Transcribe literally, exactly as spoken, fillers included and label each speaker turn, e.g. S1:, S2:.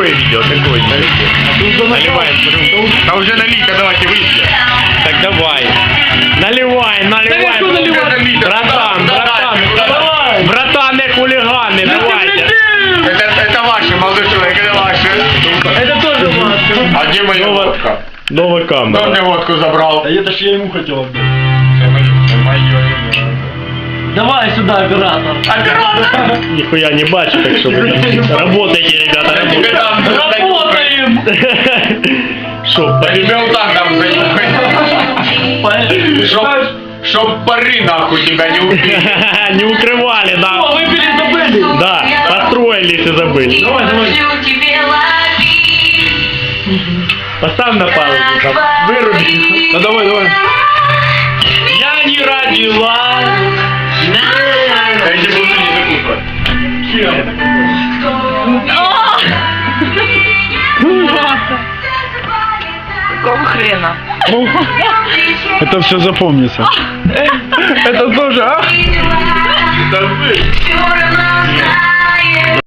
S1: Какое видео? Какое видео? Наливаем рюмку. Да уже налей-ка, давайте выпьем. Так давай. Наливай, наливай. Братан, братан. Братан, не хулиганы, давайте.
S2: Это, это ваше, молодой человек, это ваше.
S3: Это тоже ваше.
S2: А где моя водка?
S1: Новая
S2: Кто
S1: камера.
S2: мне водку забрал?
S3: Да это ж я ему хотел отдать.
S2: Это мое, это мое.
S3: Давай сюда, оператор.
S2: Оператор!
S1: Нихуя не бачу, так что вы работайте, ребята,
S2: Я тебе
S1: работайте.
S2: дам.
S3: Работаем!
S1: Шо,
S2: Я тебе вот так дам за Чтоб, чтоб пары нахуй тебя не убили.
S1: не укрывали,
S3: О,
S1: да.
S3: выпили, забыли.
S1: Да, построились и забыли.
S3: Давай, давай.
S1: Поставь на паузу, там, выруби.
S3: Ну давай, давай.
S1: Я не родила.
S2: Я тебе буду не закупать.
S4: Какого хрена?
S3: Это все запомнится. Это тоже, а?
S2: Да вы.